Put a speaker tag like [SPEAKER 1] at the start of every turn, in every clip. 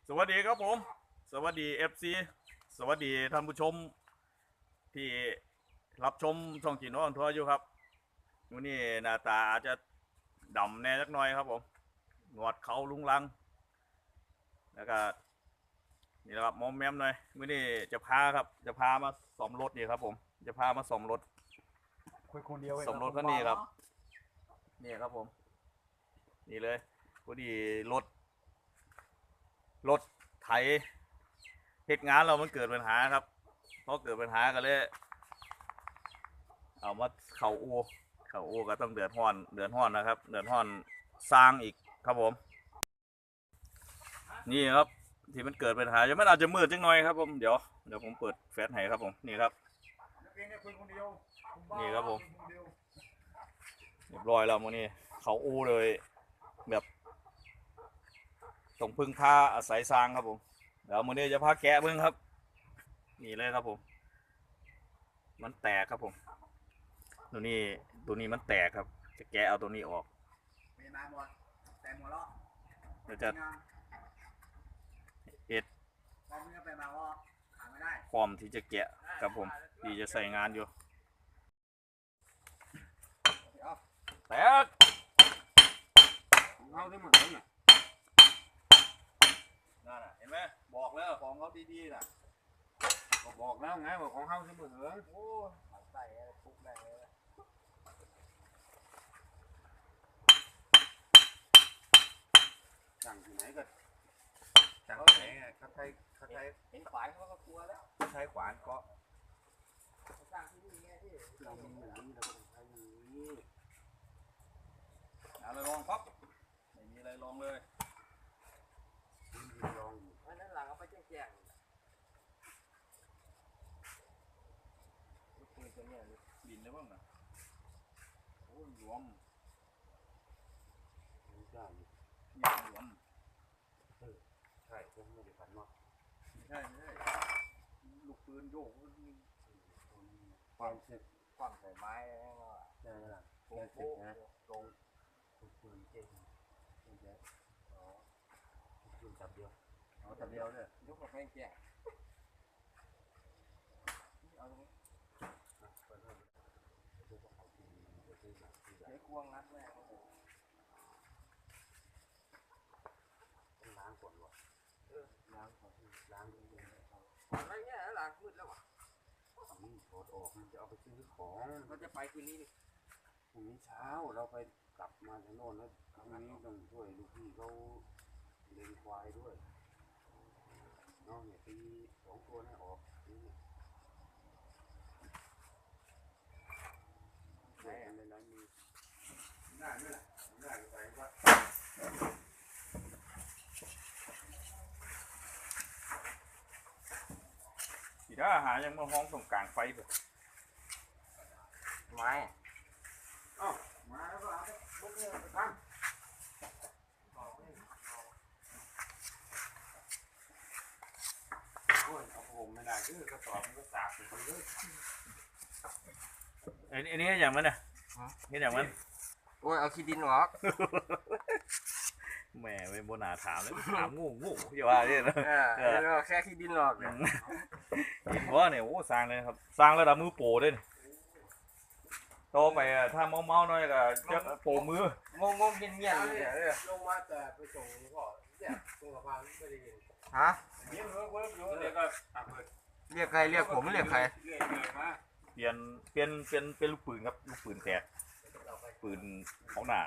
[SPEAKER 1] สวัสดีครับผมสวัสดีFC สวัสดีท่านผู้ชมที่รับชมช่องจีโน่ทัวร์อยู่ครับวันนี้หน้าตาอาจจะดำแน่สักหน่อยครับผมหนวดเขาลุงลังแล้วก็นี่แหละครับมอมแมมหน่อยวันนี้จะพามาซ่อมรถนี่ครับผมจะพามาซ่อมรถ
[SPEAKER 2] คุยคนเดียว
[SPEAKER 1] ซ่อมรถคันนี้ครับนี่ครับผมนี่เลยพอดีรถไถเหตุงานเรามันเกิดปัญหาครับพอเกิดปัญหาก็เลยเอามาเข่าอูก็ต้องเดือดร้อนนะครับเดือดร้อนสร้างอีกครับผมนี่ครับที่มันเกิดปัญหาจะมันอาจจะมืดจังหน่อยครับผมเดี๋ยวผมเปิดแฟลชให้ครับผมนี่ครับนี่ครับผมเรียบร้อยแล้วมื้อนี้เขาอูเลยแบบต้องพึ่งพาอาศัยสร้างครับผมเดี๋ยวมื้อนี้จะพาแกะเบิ่งครับนี่เลยครับผมมันแตกครับผมตัวนี้มันแตกครับจะแกะเอาตัวนี้ออกเดี๋ยวจะเอ็ดพร้อมที่จะแกะครับผมที่จะใส่งานอยู่แตก
[SPEAKER 2] ของเขาได้หมดเลยน่ะ
[SPEAKER 1] นั่นน่ะเห็นไหมบอกแล้วของเขาดีๆน่ะ
[SPEAKER 2] ก็บอกแล้วไงว่าของเขาได้หมดเลย
[SPEAKER 1] โอ้ใส่ทุกแรงเลย
[SPEAKER 2] สั่งที่ไหนก็สั่งที่ไหนเขาใช้
[SPEAKER 1] เห็นขวานเขาก็กลัวแล้ว
[SPEAKER 2] ใช้ขวานเกาะ
[SPEAKER 1] สร้างที่นี่ไงที่
[SPEAKER 2] เรามีอย่างนี้เราต้องใช้อย่างนี้
[SPEAKER 1] เอาเลยลองปั๊บไม่มีอะไรลองเลย
[SPEAKER 2] ลอง
[SPEAKER 1] อันนั้นหลังเอาไปแจ้งปืนตัวนี้บินได้บ้างนะโอ้ยหลวม
[SPEAKER 2] ไม่ใช่
[SPEAKER 1] หลวม
[SPEAKER 2] ใช่ผมไม่ได้ฝันว่า
[SPEAKER 1] ไม่ใช่ลูกปืนโยก
[SPEAKER 2] ความเสร็จ
[SPEAKER 1] ความใส่ไม้
[SPEAKER 2] ใช่ไหมล่ะแค่เสร็จนะ
[SPEAKER 1] ลง
[SPEAKER 2] ปืนเจ๊งใช่อ๋อปืนจับเดียวอ๋อจับเดียวเลย
[SPEAKER 1] ยกกับแพงแก่เอาตรงนี้ใช้ควงรัดแม่
[SPEAKER 2] ล้างก่อนวะล้างก่อนล้าง
[SPEAKER 1] อะไรเงี้ยหลังมืดแล้ววะ
[SPEAKER 2] ถอดออกมันจะเอาไปซื้อของ
[SPEAKER 1] เขาจะไปคืนนี้นี่
[SPEAKER 2] พรุ่งนี้เช้าเราไปกลับมาจากโน่นแล้วพรุ่งนี้ต้องช่วยลูกพี่เขาเลี้ยงควายด้วยน้องเนี่ยตี2 ตัวนี่ออกนี่ได้อะไรแล้วมีได้ด้วยล่ะได้ไปว่า
[SPEAKER 1] สีด้าหายังมาห้องตรงกลางไฟแบบ
[SPEAKER 2] ไม้มาแล้วก็เอาไปบุกเนี่ยไปตั้งโอ้ยเอาผมไม่ได้คือกระสอบมันก็สากไปเลย
[SPEAKER 1] อันนี้อย่างมันน่ะนี่อย่างมัน
[SPEAKER 2] โอ้ยเอาขี้ดินออก
[SPEAKER 1] แหมไม่โบนาถามแล้วถามงูอย่าว่าเนี่ยนะ
[SPEAKER 2] แค่ขี้ดินออกเนี่ย
[SPEAKER 1] ดินว่าเนี่ยโอ้สร้างเลยครับสร้างระดับมือโปรด้วยโตไปถ้าเมาหน่อยก็จะโปรมื
[SPEAKER 2] องเงียบเลยลงมาแต่ไปส่งก็เนี่ยตรงสะพานไม่ได้ยิน
[SPEAKER 3] ฮะ
[SPEAKER 2] เรียกก็
[SPEAKER 3] เรียกใครเรียกผมเรียกใคร
[SPEAKER 1] เปลี่ยนเป็นลูกปืนครับลูกปืนแตกปืนของหน้า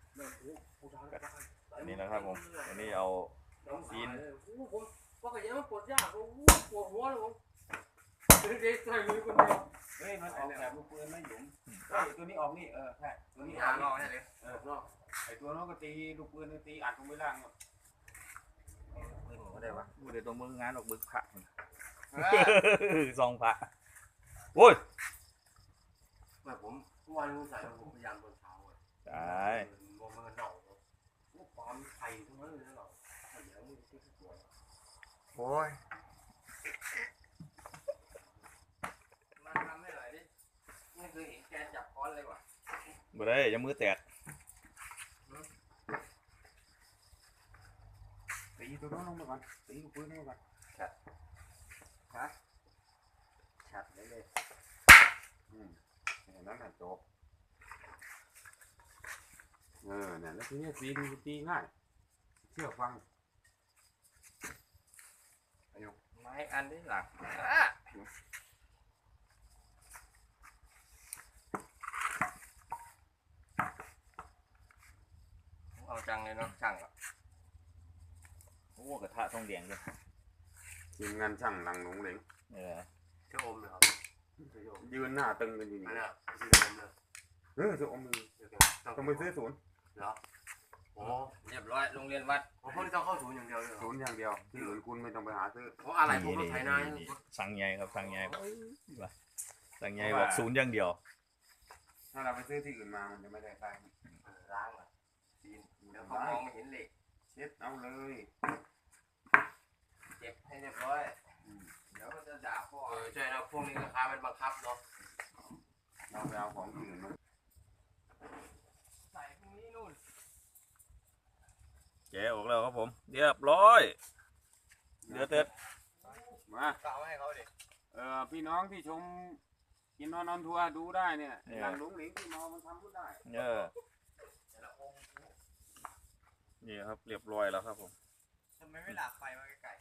[SPEAKER 1] อันนี้นะครับผมอันนี้เอาซีน
[SPEAKER 2] ผมว่าก็ยังมันปวดยากปวดหัวเลยผมเด็กใส่มือคนเดียวเฮ้ยมันออกแบบลูกปืนไม่หยุมตัวนี้ออกนี่ใช่ตัวนี้ออก
[SPEAKER 3] นอกใช่ไหม
[SPEAKER 2] ไอตัวน้องก็ตีลูกปืนตีอัดลงไปล่าง
[SPEAKER 3] ปืนผมก็ได้วะ
[SPEAKER 1] เดี๋ยวตรงมืองานออกบึกผักซองผักโอ้ย
[SPEAKER 2] แบบผมทุกวันใส่ผมพยายามตอนเช้า
[SPEAKER 1] ใช่
[SPEAKER 2] มองมันเน่าความไข่ทั้งนั้นเลยนะเราไข่ยังไม่ได้ที่ตัว
[SPEAKER 3] โอ้ย
[SPEAKER 2] มาทำให้หน่อยดิไม่เคยเห็นแกจับค้อนเลยว่ะ
[SPEAKER 1] บ่ได้ยังมือแตก
[SPEAKER 2] ตีตัวน้องลงมาก่อนตีลูกปืนลงมาก่อน
[SPEAKER 3] ฮะชัดเลย
[SPEAKER 2] เห็นนั้นน่ะจบเนี่ยแล้วทีนี้ตีง่ายเชื่อฟัง
[SPEAKER 3] ไม้อันนี้หลักเอาจังเลยเนาะช่างอ่ะ
[SPEAKER 1] โอ้กระทะทองแดงด้วย
[SPEAKER 2] ทีมงานช่างหลังหลงเหลง
[SPEAKER 3] เชื่ออมเลยครับ
[SPEAKER 2] ยืนหน้าตึงกันอยู่นี่
[SPEAKER 3] อันนี้ซื้ออมเลย
[SPEAKER 2] จะอมมือต้องไปซื้อศูนย์
[SPEAKER 3] เหรอโอ้เรียบร้อยโรงเรียนวัดผมพวกนี้ต้องเข้าศูนย์อย่างเดียวเลย
[SPEAKER 2] ศูนย์อย่างเดียวที่อื่นคุณไม่ต้องไปหาซื้อ
[SPEAKER 3] เพราะอะไรผมต้องไถนา
[SPEAKER 1] สั่งใหญ่ครับสั่งใหญ่สั่งใหญ่บอกศูนย์อย่างเดียว
[SPEAKER 2] ถ้าเราไปซื้อที่อื่นมามันจะไม่ได้ตังค์
[SPEAKER 3] ล้างอ่ะซีนเดี๋ยวเขามองไม่เห็นเหล็ก
[SPEAKER 2] เช็ดเอาเลย
[SPEAKER 3] เก็บให้เรียบร้อยเดี๋ยวก็จะด่าพ่อใช่นะพวกนี้ราคามันบังคับเนาะ
[SPEAKER 2] เราไปเอาของที่อื่นมา
[SPEAKER 3] ใส่พวกนี้นู่น
[SPEAKER 1] แกะออกแล้วครับผมเรียบร้อยเหลือแต่
[SPEAKER 2] มา
[SPEAKER 3] กล่าวให้เขาดิ
[SPEAKER 2] พี่น้องที่ชมกินนอนทัวร์ดูได้เนี่ยหลังหลงเหลงที่มอมันทำพูดได้
[SPEAKER 1] นี่ครับเรียบร้อยแล้วครับผม
[SPEAKER 3] ทำไมไม่หลักไฟมาไกล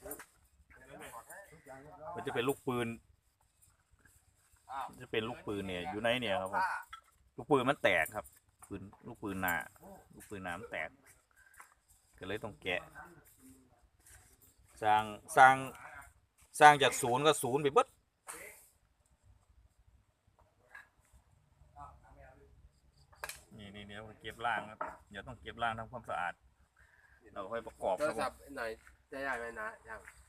[SPEAKER 1] มันจะเป็นลูกปืนจะเป็นลูกปืนเนี่ยอยู่ในเนี่ยครับผมลูกปืนมันแตกครับลูกปืนหนามันแตกก็เลยต้องแกะสร้างจากศูนย์ก็ศูนย์ไปเบิดนี่เดี๋ยวเก็บล่างครับเดี๋ยวต้องเก็บล่างทำความสะอาดเราค่อยประกอบ
[SPEAKER 3] โท
[SPEAKER 1] ค
[SPEAKER 3] ร
[SPEAKER 1] รับผ
[SPEAKER 3] ศัพ
[SPEAKER 1] ม
[SPEAKER 3] ท์หน่อยจะได้ไหมนะยัง